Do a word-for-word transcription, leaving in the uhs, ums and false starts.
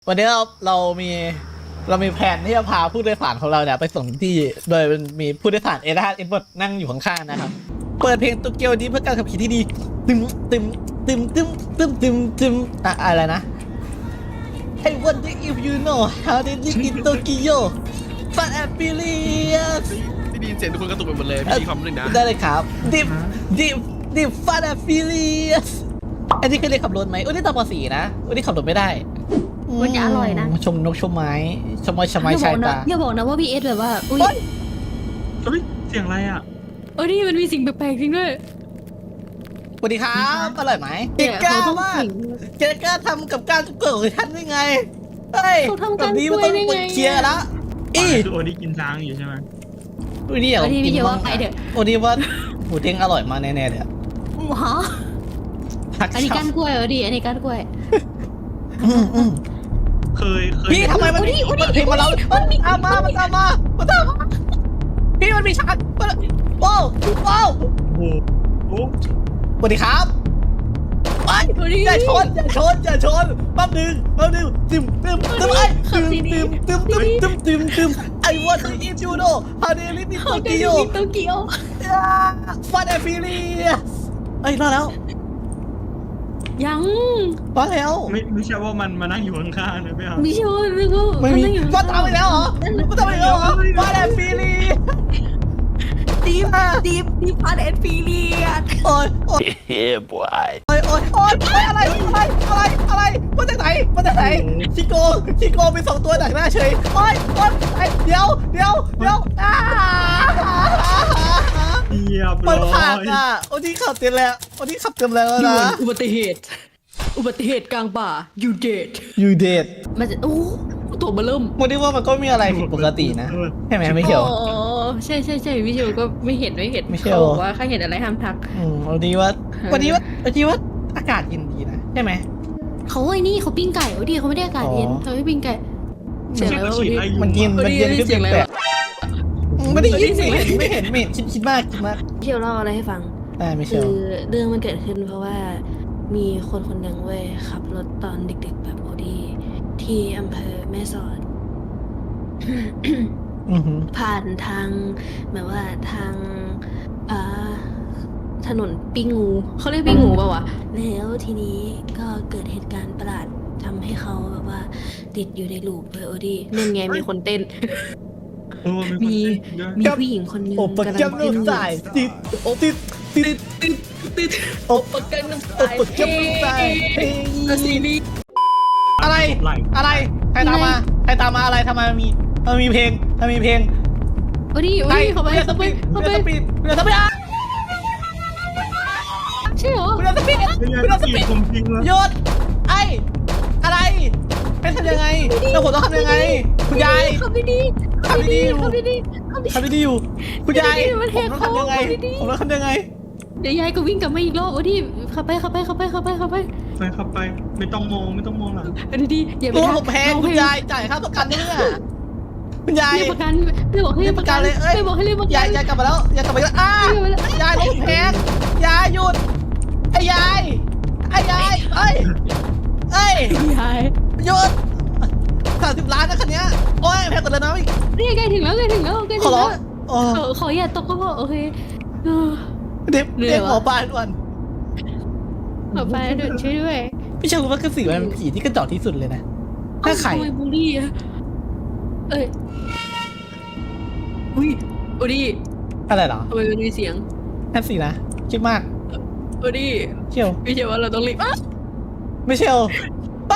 วันนี้เราเรามีเรามีแผนที่จะพาผู้โดยสารของเราเนี่ยไปส่งที่โดยมีผู้โดยสารเอเดนเอ็ดเวิร์ดนั่งอยู่ข้างๆนะครับเปิดเพลงโตเกียวดีเพื่อการขับขี่ที่ดีตึมตึมตึมตึมตึมตึมตึมอะอะไรนะ I wonder if you know how they live in Tokyo fun and furious ที่ได้ยินเสียงทุกคนกระตุกไปหมดเลยพี่ดีคำหนึ่งนะได้เลยครับดิบดิบดิบ fun and furious อันนี้เคยเรียนขับรถไหมอุ้ยนี่ตอนป .สี่ นะอุ้ยนี่ขับรถไม่ได้มันจะอร่อยนะชมนกชมไม้ชมไม้ชมไม้ชายตาอย่าบอกนะว่าพีเอสแบบว่าอุ้ยเฮ้ยเสียงอะไรอ่ะเออนี่มันมีสิ่งแปลกๆจริงด้วยสวัสดีครับอร่อยไหมเกล้ามากเกล้าทำกับการเกิดของท่านได้ไงเฮ้ยแบบนี้มันต้องเคลียร์แล้วอีคือโอดีกินช้างอยู่ใช่ไหมโอดีอยากกินบ้างโอดีว่าหมูเด้งอร่อยมากแน่ๆเลยฮะอันนี้ก้านกล้วยเออดีอันนี้ก้านกล้วยเคยเคยพี่ทำไมมันมีมันเพลงมาแล้วมันตามมามันตามมามันตามมาพี่มันมีฉากว้าวว้าวโอ้โหสวัสดีครับไปอย่าชนอย่าชนอย่าชนแป๊บนึงแป๊บนึงตึมตึมตึมไอ้ตึมตึมตึมตึมตึมตึมตึมไอ้วันที่อินจูโน่ฮาเดลิมิโตเกียวโตเกียวฟันแอฟิลีเอ้ยรอดแล้วยังมาแล้วไม่ไม่ใช่ว่ามันมานั่งอยู่ข้างๆนะไม่เอาไม่ใช่ว่าไม่ก็ไม่มีมาทำไปแล้วเหรอมาทำไปแล้วเหรอฟันแอฟิลีดีมดีมดีฟันแอฟิลีโอ้ยโอ้ยเฮ้ยบอยโอ้ยโอ้ยโอ้ยอะไรอะไรอะไรอะไรมาจากไหนมาจากไหนชิโก้ชิโก้มีสองตัวดักหน้าเฉยโอ้ยโอ้ยเดี๋ยวเดี๋ยวเดี๋ยวอ้าเยียบมันผ่านอ่ะโอ้ที่ขับเต็มแล้วโอ้ที่ขับเต็มแล้วนะอุบัติเหตุอุบัติเหตุกลางป่า you dead you dead มันจะโอ้ตัวมาเริ่มมันได้ว่ามันก็มีอะไรผิดปกตินะใช่ไหมไม่เกี่ยวอ๋อใช่ใช่ใช่วิชวลก็ไม่เห็นไม่เห็นไม่เกี่ยวว่าข้าเห็นอะไรห้ามทักอืมวันนี้ว่าวันนี้ว่าวันนี้ว่าอากาศเย็นดีนะใช่ไหมเขาไอ้นี่เขาปิ้งไก่โอ้ดีเขาไม่ได้อากาศเย็นเขาไม่ปิ้งไก่เสียงอะไรวะมันเย็นมันเย็นขึ้นแปลกไม่ได้ยินไม่เห็นไม่เห็นไม่เห็นคิดคิดมากคิดมากเชี่ยวเล่าอะไรให้ฟังคือเรื่องมันเกิดขึ้นเพราะว่ามีคนคนหนึ่งเว้ยขับรถตอนเด็กๆแบบโอดีที่อำเภอแม่สอดผ่านทางแบบว่าทางถนนปิ้งงูเขาเรียกปิ้งงูป่าวะแล้วทีนี้ก็เกิดเหตุการณ์ประหลาดทำให้เขาแบบว่าติดอยู่ในลูปเลยโอดีนั่นไงมีคนเต้นมีมีผู้หญิงคนนึงกำลังเต้นติดติดติดติดติดโอปกันน้ำตาลเพลงซีรีอะไรอะไรใครตามมาใครตามมาอะไรทำไมมีมันมีเพลงมันมีเพลงโอ้ดิโอ้ดิเขาไปเขาไปเขาไปเรือสปีดใช่เหรอเรือสปีดเรือสปีดหยุดไอ้อะไรให้ทำยังไงแล้วผมต้องทำยังไงคุณยายขับดีๆขับดีๆขับดีๆขับดีๆอยู่คุณยายผมต้องทำยังไงผมต้องทำยังไงเดี๋ยวยายก็วิ่งกลับมาอีกรอบโอ้ดิขับไปขับไปขับไปขับไปขับไปไปขับไปไม่ต้องมองไม่ต้องมองหลังดีดีอย่าไปตัวผมแพงคุณยายจ่ายค่าประกันเนี่ยคุณยายเรียกประกันไม่บอกให้เรียกประกันเลยเอ้ยไม่บอกให้เรียกประกันยายยายกลับมาแล้วยายกลับมาแล้วอ้ายายลงแพงยายหยุดไอ้ยายไอ้ยายเอ้ยเอ้ยยายหยุดสามสิบล้านนะคันนี้โอ้ยแพงกว่าเดิมนะอีกนี่ใกล้ถึงแล้วใกล้ถึงแล้วใกล้ถึงแล้วขอขออย่าตกก็พอโอเคเด็บเด็บหมอปลาด่วนหมอปลาด่วนช่วยด้วยพี่ชายรู้ว่ากระสือมันเป็นผีที่กระจอกที่สุดเลยนะถ้าไข่บุรีอะเอ้ยอุ้ยโอดีอะไรเหรอทำไมมันมีเสียงนั่นสินะคิดมากโอดีเชียวไม่ใช่ว่าเราต้องรีบไม่เชียว